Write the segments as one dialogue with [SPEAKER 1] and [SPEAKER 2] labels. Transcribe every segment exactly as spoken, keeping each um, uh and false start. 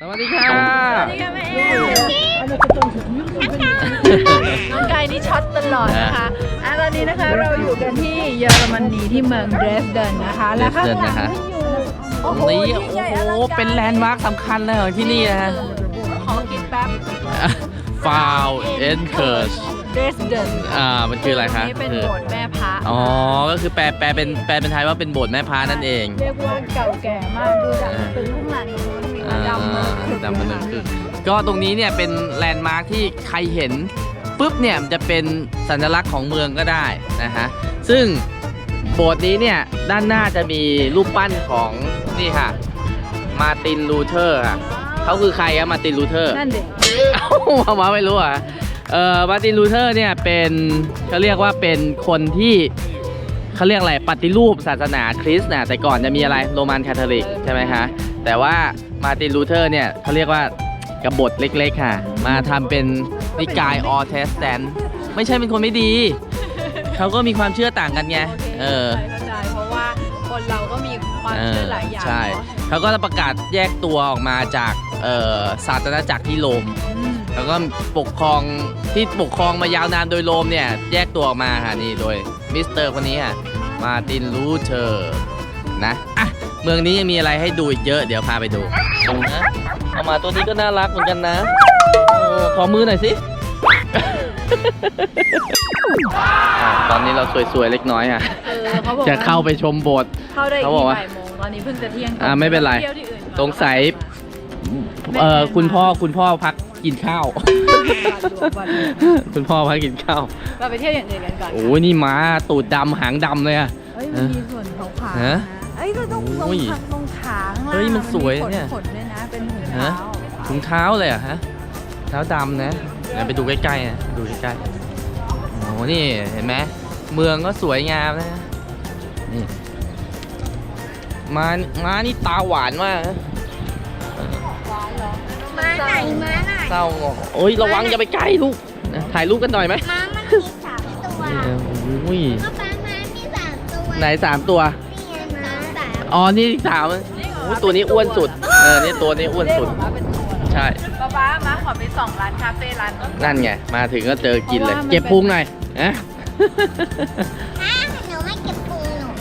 [SPEAKER 1] สวัสดีค่ะสวัสดีค่ะแม่น้องกายนี่ช็อตตลอดนะคะอ่ะตอนนี้นะคะเราอยู่กันที่เยอรมนีที่เมืองเดรสเดนนะคะแล้วข้างหลังนี่อยู่โอ้โหนี่โอ้โหเป็นแลนด์มาร์คสำคัญเลยของที่นี่นะฮะขอกินแป๊บ
[SPEAKER 2] Foul and Curse
[SPEAKER 1] เดรสเดน
[SPEAKER 2] อ่ามันคืออะไรคะ
[SPEAKER 1] นี่เป็นโบสถ์แม่พระ
[SPEAKER 2] อ๋อก็คือแปลแปลเป็นแปลเป็นไทยว่าเป็นโบสถ์แม่พระนั่นเอง
[SPEAKER 1] เรียกว่าเก่าแก่มากดูจากตึกข้างหลังดำมา
[SPEAKER 2] ดำมาเลยคือก็ตรงนี้เนี่ยเป็นแลนด์มาร์คที่ใครเห็นปุ๊บเนี่ยมันจะเป็นสัญลักษณ์ของเมืองก็ได้นะฮะซึ่งโบสถ์นี้เนี่ยด้านหน้าจะมีรูปปั้นของนี่ค่ะมาร์ตินลูเทอร์ค่ะเขาคือใครอะมาร์ตินลูเทอร์
[SPEAKER 1] นั่นเด็ก
[SPEAKER 2] เอ้ามามาไม่รู้อ่ะเอ่อมาร์ตินลูเทอร์เนี่ยเป็นเขาเรียกว่าเป็นคนที่เขาเรียกอะไรปฏิรูปศาสนาคริสต์นะแต่ก่อนจะมีอะไรโรมันคาทอลิกใช่ไหมคะแต่ว่ามาร์ตินลูเทอร์เนี่ยเขาเรียกว่ากบฏเล็กๆค่ะมาทำเป็นนิกายออเทสแตนไม่ใช่เป็นคนไม่ดีเขาก็มีความเชื่อต่างกันไงเออ
[SPEAKER 1] เข้าใจเพราะว่าคนเราก็มีความเชื่อหลายอย่าง
[SPEAKER 2] ใช่เขาก็ประกาศแยกตัวออกมาจากศาสนาจักรที่โรมแล้วก็ปกครองที่ปกครองมายาวนานโดยโรมเนี่ยแยกตัวออกมาค่ะนี่โดยมิสเตอร์คนนี้ค่ะมาร์ตินลูเทอร์นะอ่ะเมืองนี้ยังมีอะไรให้ดูอีกเยอะเดี๋ยวพาไปดูนะเอามาตัวนี้ก็น่ารักเหมือนกันนะขอมือหน่อยสิ ตอนนี้เราสวยๆเล็กน้อยค่ะจะเข้าไปชมโบสถ์
[SPEAKER 1] เข้าได้กี่บ่ายโมงตอนนี้เพิ่งจะเที่ยง
[SPEAKER 2] อ่าไม่เป็นไรสงสัยเอ่อคุณพ่อคุณพ่อพักกินข้าวคุณพ่อพักกินข้าว
[SPEAKER 1] เราไปเที่ยวอย่างอื่นกันก่อน
[SPEAKER 2] โอ้ยนี่ม้าตูดดำหางดำเลยอ่ะ
[SPEAKER 1] เฮ้ยมันมีส่วนขาวๆนะเอ้ยก็ต้องตรงตรงขา
[SPEAKER 2] เฮ้ยมันสวยเนี่ย
[SPEAKER 1] ขนด้วยนะเป็นถุงเท้า
[SPEAKER 2] ถุงเท้าเลยอะฮะเท้าดำนะเดี๋ยวไปดูใกล้ๆนะดูใกล้ๆโอ้นี่เห็นไหมเมืองก็สวยงามนะนี่ม้าม้านี่ตาหวานมาก
[SPEAKER 1] ม้าไหนม้าไหน
[SPEAKER 2] เศร้าโอ้ยระวังอย่าไปใกล้ลูกถ่ายรูปกันหน่อยไหม
[SPEAKER 3] ม้ามันมีสามตัว
[SPEAKER 2] โอ้ย
[SPEAKER 3] ก็ม้าม้ามีสามตัว
[SPEAKER 2] ไหนสามตัว
[SPEAKER 3] นี่ไงม้าสาม
[SPEAKER 2] อ๋อนี่สามโอ้ตัวนี้อ้วนสุดเออนี่ตัวนี้อ้วนสุดใช่
[SPEAKER 1] ป๊าป๊าม้าขอไปสองร้านคาเฟ่ร้าน
[SPEAKER 2] นั่นไงมาถึงก็เจอกินเลยเก็บพุงหน่อยนะ
[SPEAKER 3] หนูไม่เก็บพุงหนู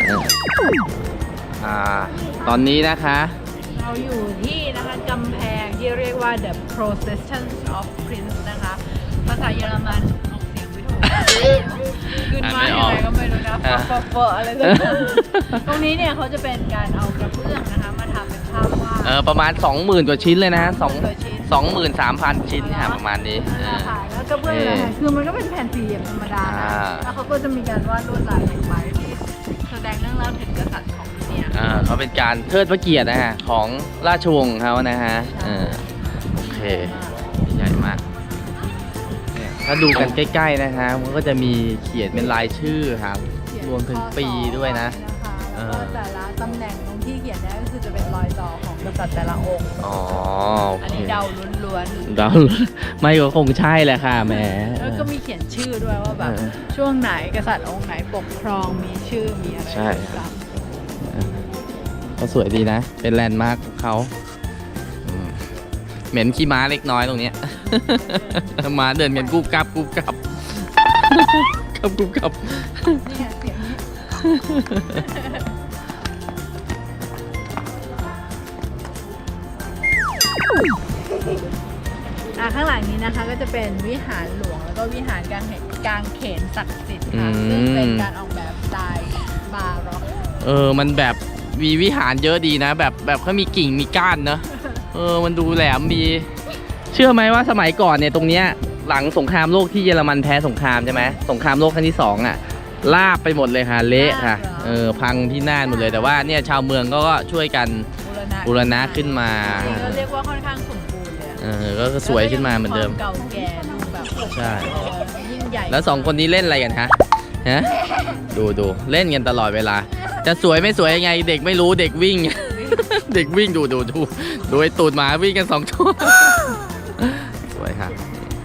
[SPEAKER 2] อ่าตอนนี้นะคะ
[SPEAKER 1] เราอยู่ที่นะคะกำแพงที่เรียกว่า The Procession of Prince นะคะภาษาเยอรมันออกเสียงไม่ถูกขึ้นมาอะไรก็ไม่รู้นะฟอฟออะไรสักอย่างตรงนี้เนี่ยเขาจะเป็นการเอากระเบื้องนะคะมาทำเป็นภาพวาด
[SPEAKER 2] เออประมาณ สองหมื่น กว่าชิ้นเลยนะสอง สองหมื่นสามพัน ชิ้นค่ะประมาณนี้
[SPEAKER 1] ค่ะแล้วกระเบื้องนะคะคือมันก็เป็นแผ่นสี่เหลี่ยมธรรมดาแล้วเขาก็จะมีการวาดลวดลายลงไปที่แสดงเรื่องเล่าถึงกษัตริย์ของ
[SPEAKER 2] อ่าเขาเป็นการเทิดพระเกียรตินะฮะของราชวงศ์เขานะฮะอ่าโอเคใหญ่มากเนี่ยถ้าดูกันใกล้ๆนะฮะมันก็จะมีเขียนเป็นลายชื่อครับรวมถึงปีด้วยนะ
[SPEAKER 1] แล้วก็แต่ละตำแหน่งตรงที่เขียนได้ก็คือจะเป็นรอยต่อของกษัตริย์แต่ละองค์
[SPEAKER 2] อ๋อ
[SPEAKER 1] อันนี้เดาล้วน
[SPEAKER 2] ๆเดาไม่ก็คงใช่แหละค่ะแหม
[SPEAKER 1] แล้วก็มีเขียนชื่อด้วยว่าแบบช่วงไหนกษัตริย์องค์ไหนปกครองมีชื่อมีอะไร
[SPEAKER 2] ใช่ก็สวยดีนะเป็นแลนด์มาร์คของเขาเหม็นขี้ม้าเล็กน้อยตรงนี้ม้าเดินกันกุบกับกุบกับกับกุบกับ
[SPEAKER 1] เนี่ยเสียงนี้อ่ะข้างหลังนี้นะคะก็จะเป็นวิหารหลวงแล้วก็วิหารกางกางเขนศักดิ์สิทธิ์ค่ะซึ่งเป็นการออกแบบสไตล์บาร็อก
[SPEAKER 2] เออมันแบบมีวิหารเยอะดีนะแบบแบบเขามีกิ่งมีก้านเนอะเออมันดูแหลมมีเชื่อไหมว่าสมัยก่อนเนี่ยตรงเนี้ยหลังสงครามโลกที่เยอรมันแพ้สงครามใช่ไหมสงครามโลกครั้งที่สองอ่ะลาบไปหมดเลยค่ะเละค่ะเออพังที่น่านหมดเลยแต่ว่าเนี่ยชาวเมืองก็ช่วยกันบูรณะขึ้นมา
[SPEAKER 1] ก็เรียกว่าค่อนข้างสมบูรณ์เลย
[SPEAKER 2] เออก็สวยขึ้นมาเหมือนเดิม
[SPEAKER 1] เก่าแก่ดูแบบ
[SPEAKER 2] ใช่
[SPEAKER 1] ยิ่งใหญ่
[SPEAKER 2] แล้วสองคนนี้เล่นอะไรกันฮะฮะดูดูเล่นกันตลอดเวลาจะสวยไม่สวยยังไงเด็กไม่รู้เด็กวิ่งเด็กวิ่งดูดูดูดูไอ้ตูดหมาวิ่งกันสองตัวสวยครับ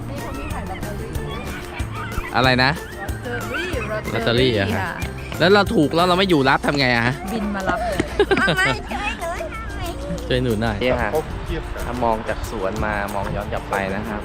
[SPEAKER 2] อะไรนะลอตเตอรี่อะครับแล้วเราถูกแล้วเราไม่อยู่รับทำไงอะฮะ
[SPEAKER 1] บินมารับเลย
[SPEAKER 2] ช่วยหนูหน่อยนี่ค่ะถ้ามองจากสวนมามองย้อนกลับไปนะครับ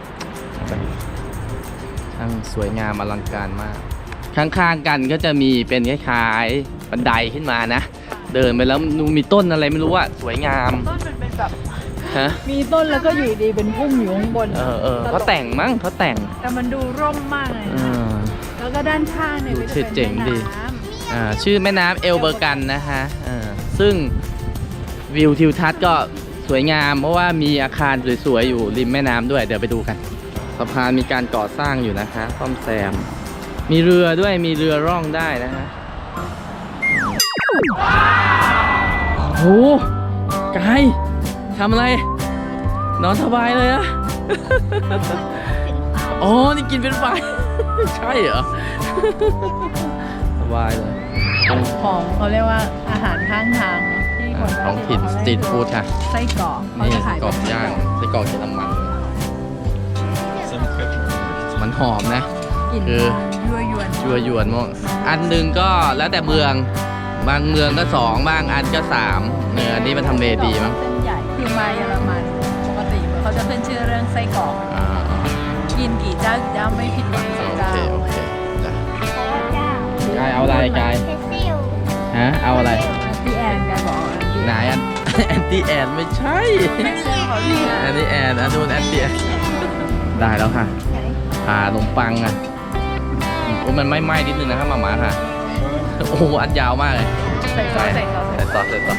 [SPEAKER 2] ช่างสวยงามอลังการมาก ข้างๆกันก็จะมีเป็นคล้ายๆบันไดขึ้นมานะ เดินไปแล้วมีต้นอะไรไม่รู้อะสวยงาม
[SPEAKER 1] ต้นมันเป็นแบบ
[SPEAKER 2] ฮะ
[SPEAKER 1] มีต้นแล้วก็อยู่ดีเป็นพุ่มอยู่ข้างบน
[SPEAKER 2] เออเออเขาแต่งมั้งเขาแต่ง
[SPEAKER 1] แต่มันดูร่มมากเลย
[SPEAKER 2] เอ
[SPEAKER 1] นะ
[SPEAKER 2] อ
[SPEAKER 1] แล้วก็ด้านข้างเนี่ยก็จะ
[SPEAKER 2] ชื่อเจ๋
[SPEAKER 1] เป็น
[SPEAKER 2] ง
[SPEAKER 1] แม่
[SPEAKER 2] ดี
[SPEAKER 1] น้ำ
[SPEAKER 2] อ่าชื่อแม่น้ำเอลเบอร์กันนะฮะเออซึ่งวิวทิวทัศน์ก็สวยงาม เพราะว่ามีอาคารสวยๆอยู่ริมแม่น้ำด้วยเดี๋ยวไปดูกันสะพานมีการก่อสร้างอยู่นะคะซ่อมแซมมีเรือด้วยมีเรือร่องได้นะฮะโอ้โหกายทำอะไรนอนสบายเลยอะ อ๋อนี่กินเป็นไฟ ใช่เหรอ สบายเลย
[SPEAKER 1] ของเขาเรียกว่าอาหารข้างทางที่คน
[SPEAKER 2] ท้องถิ่นสตรีทฟู้ดค่ะ
[SPEAKER 1] ไส้กรอกเขา
[SPEAKER 2] นี่
[SPEAKER 1] จะขาย
[SPEAKER 2] กรอก
[SPEAKER 1] เป็นไส้
[SPEAKER 2] ย่าง
[SPEAKER 1] กรอก
[SPEAKER 2] ไส้กรอกเยอรมันมันหอมนะ
[SPEAKER 1] กลิ่น
[SPEAKER 2] คือ
[SPEAKER 1] ยั่วยวน
[SPEAKER 2] ยัวยวนมากอันหนึ่งก็แล้วแต่เมือง บางเมืองก็สองบางอันก็สามเนื้ออันนี้มันทำเลดีมั้ง
[SPEAKER 1] เส้นใหญ่คือมาเยอรมันปกติเขาจะขึ้นชื่อเรื่องไส้กรอก
[SPEAKER 2] อ่า
[SPEAKER 1] กินกี่เจ้ากี่เจ้าไม่ผิดหวังสัก
[SPEAKER 2] โอ
[SPEAKER 1] เจ้า
[SPEAKER 2] เคโอเคจ้ะ
[SPEAKER 3] เพราะว่าเจ้าก
[SPEAKER 2] ายเอาอะไรกาย
[SPEAKER 3] เพซิล
[SPEAKER 2] ฮะเอาอะไร
[SPEAKER 1] พี่แอนแกบอกว่าพี่
[SPEAKER 2] ไหนอัน แอนตี้แอนไม่ใช่
[SPEAKER 1] ไม่ใช่เขาพี่
[SPEAKER 2] อันนี้แอนอันนู้นแอนตี้แอนได้แล้วค่ะผ่าขนมปังอ่ะโอ้มันไม่ไหม้นิดนึงนะครับหมาหมาค่ะ โอ้โหอันยาวมากเลย
[SPEAKER 1] ใส่ซอสใส่ซอส
[SPEAKER 2] ใส่ซอสใส่ซอส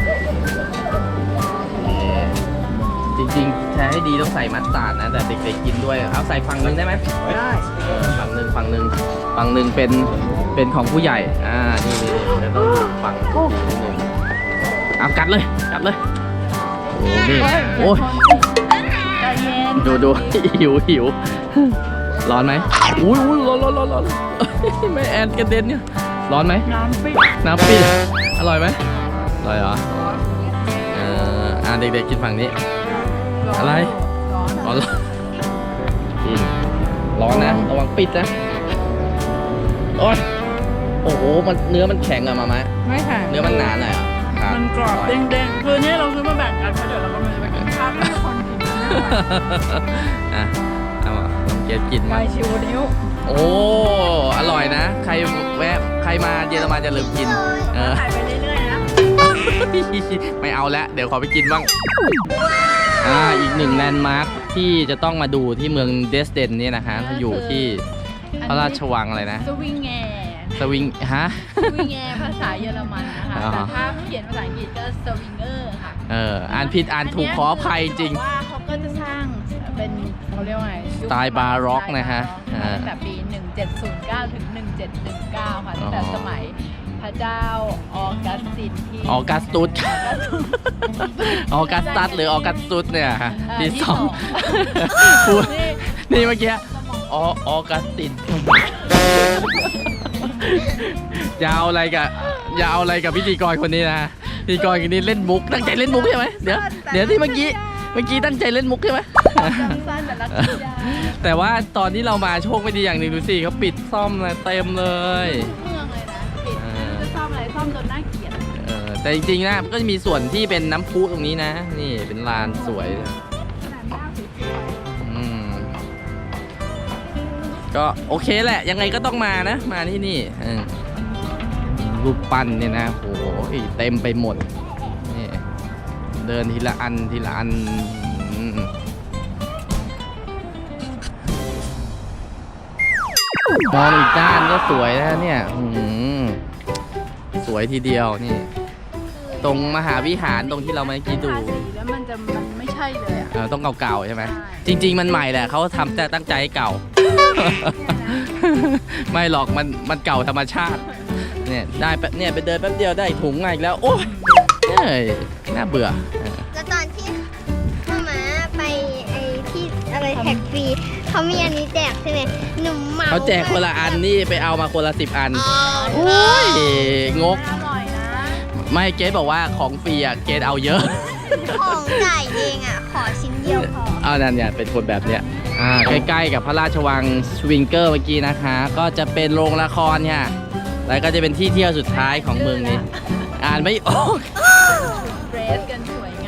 [SPEAKER 2] จริงๆแท้ให้ดีต้องใส่มัสตาร์ดนะ แต่เด็กๆกินด้วยเอาใส่ฝั่งหนึงได้ไหม
[SPEAKER 1] ได้
[SPEAKER 2] เออฝั่งหนึ่งฝั่งหนึ่งฝั่งหนึ่งเป็นเป็นของผู้ใหญ่อ่านี่นี่นี่แล้วต้องฝั่งหนึ่งเอากัดเลยกัดเลยโอ้นี่โอ้ย
[SPEAKER 1] ใจเย็น
[SPEAKER 2] ดูดู หิวหิวร้อนไหมอุ้ยอุ้ยร้อนร้อนร้อนร้อนไม่แอนกระเด็นเนี่ยร้อนไหม
[SPEAKER 1] น้ำปิด
[SPEAKER 2] น้ำปิดอร่อยไหมอร่อยเหรอเอออ่าเด็กๆกินฝั่งนี้ อะไร
[SPEAKER 1] ร้อน
[SPEAKER 2] ร้อนร้อนกินร้อนนะระวังปิดนะโอ้ยโอ้โหมันเนื้อมันแข็งอะมามะ
[SPEAKER 1] ไม่ค่ะ
[SPEAKER 2] เนื้อมันหนาหน่อยเหรอครับ
[SPEAKER 1] มันกรอบเด้งๆ คือเนี่ยเราซื้อมาแบ่งกันเพราะเดี๋ยวเราก็จะไปกินข้าวที่คนกินไม่ไหว
[SPEAKER 2] อ่ะเอามาลองเกดกิน
[SPEAKER 1] ไก่
[SPEAKER 2] มา
[SPEAKER 1] ชิวนิ้ว
[SPEAKER 2] โอ้อร่อยนะ ใครแวะใครมาเยอรมันจะลืมกินเออ
[SPEAKER 1] ขายไปเรื่อยๆนะ
[SPEAKER 2] ไม่เอาแล้วเดี๋ยวขอไปกินบ้างอ่าอีกหนึ่งแลนด์มาร์คที่จะต้องมาดูที่เมืองเดสเดนนี่นะฮะอยู่ที่พระราชวังอะไรนะ
[SPEAKER 1] สวิงแง
[SPEAKER 2] สวิงฮะ
[SPEAKER 1] สวิงแงภาษาเยอรมันนะคะ
[SPEAKER 2] อ๋อ
[SPEAKER 1] แต่ถ้าเขียนภาษาอังกฤษก็สวิงเกอร์ค่ะ
[SPEAKER 2] เอออ่านผิดอ่านถูกขออภัยจริง
[SPEAKER 1] บอกว่าเขาก็จะสร้างเป็นเขาเรียกว่าไง
[SPEAKER 2] สไตล์บาร็อกนะฮะ
[SPEAKER 1] สไตล์บาร็อก
[SPEAKER 2] อ่า
[SPEAKER 1] ตั้งแต่ปี หนึ่งเจ็ดศูนย์เก้า ถึง หนึ่งเจ็ดหนึ่งเก้า ค่ะตั้งแต่
[SPEAKER 2] อ๋อ
[SPEAKER 1] สมัยพระเจ้าออกัสตินที่
[SPEAKER 2] ออกัสตุส ออกัสตัสหรือออกัสตุสเนี่ยฮะ
[SPEAKER 1] เอ่อ
[SPEAKER 2] ที่
[SPEAKER 1] ที่
[SPEAKER 2] สอง
[SPEAKER 1] สอง
[SPEAKER 2] พูด
[SPEAKER 1] นี่
[SPEAKER 2] นี่เมื่อกี้ออออกัสตินอย่าเอาอะไรกับอย่าเอาอะไรกับพิธีกรคนนี้นะพิธีกรคนนี้เล่นมุกตั้งใจเล่นมุกใช่ไหมเดี๋ยวเดี๋ยวที่เมื่อกี้เมื่อกี้ตั้งใจเล่นมุกใช่ไหม
[SPEAKER 1] จำสั้นแต่รักจริงจัง
[SPEAKER 2] แต่ว่าตอนที่เรามาโชคไม่ดีอย่างหนึ่งดูสิเขาปิดซ่อมเลยเต็มเลย
[SPEAKER 1] เมืองเลยนะปิด
[SPEAKER 2] เออ
[SPEAKER 1] จะซ่อมอะไรซ่อมจนน่าเกลียด
[SPEAKER 2] เออแต่จริงๆนะมันก็จะมีส่วนที่เป็นน้ำพุตรงนี้นะ นี่เป็นลานสวย
[SPEAKER 1] ขนาดหน้าสวย
[SPEAKER 2] อืมก็โอเคแหละ ยังไงก็ต้องมานะ มาที่นี่เออรูปปั้นเนี่ยนะโอ้โหเต็มไปหมดนี่เดินทีละอันทีละอันอืมมองอีกด้านก็สวยนะเนี่ยอืมสวยทีเดียวนี่ ตรงมหาวิหารตรงที่เราเมื่อกี้ดู
[SPEAKER 1] ทาสีแล้วมันจะมันไม่ใช่เลยอ่ะ
[SPEAKER 2] เออต้องเก่าๆใช่ไหม
[SPEAKER 1] ใช่
[SPEAKER 2] จริง ๆ มันใหม่แหละเขาทำแต่ตั้งใจให้เก่า ไม่หรอกมันมันเก่าธรรมชาติ เนี่ยได้แป๊บเนี่ยไปเดินแป๊บเดียวได้ถุงมาอีกแล้ว โอ้ยเอ้ยน่าเบื่อเออ
[SPEAKER 3] แล้วตอนที่มามาไปไอ้ที่อะไรแท็กฟรีเขามีอันนี้แจกใช่ไหมหนุ่มเมา
[SPEAKER 2] เขาแจกคนละอันนี่ไปเอามาคนละสิบอัน
[SPEAKER 3] อ๋อ
[SPEAKER 2] โอ้ยงก
[SPEAKER 1] อร่อยนะ
[SPEAKER 2] ไม่เกดบอกว่าของฟรีอ่ะเกดเอาเยอะ
[SPEAKER 3] ของจ่ายเองอ่ะ ขอชิ้นเดียวพอ
[SPEAKER 2] เอานั่นเนี่ยเป็นคนแบบเนี้ยอ่าใกล้ๆกับพระราชวังสวิงเกอร์เมื่อกี้นะคะ ก็จะเป็นโรงละครค่ะแล้วก็จะเป็นที่เที่ยวสุดท้ายของเมืองนี้ อ่านไม่ออก
[SPEAKER 1] เดรสกันสวยง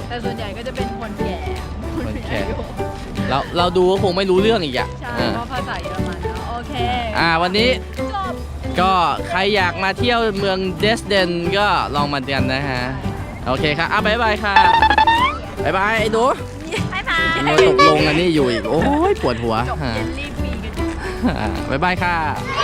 [SPEAKER 1] แต่ส่วนใหญ่ก็จะเป็นคนแก่
[SPEAKER 2] คนแก่ เราเราดูก็คงไม่รู้เรื่องอีกอ่ะ
[SPEAKER 1] ใช่
[SPEAKER 2] อ่า
[SPEAKER 1] เพราะภาษาเยอรมันเนาะโอเค
[SPEAKER 2] อ่าวันนี้
[SPEAKER 1] จบ
[SPEAKER 2] ก็ใครอยากมาเที่ยวเมืองเดสเดนก็ลองมากันนะฮะ โอเคครับอ่ะบ๊ายบายค่ะบ๊ายบายไอ้ดู
[SPEAKER 1] บ๊ายบาย
[SPEAKER 2] เราตกลงอันนี้อยู่อีก โอ้ยปวดหัว
[SPEAKER 1] จบ
[SPEAKER 2] อ่า
[SPEAKER 1] เย็นรีบมีกัน
[SPEAKER 2] อ่าบ๊ายบายค่ะ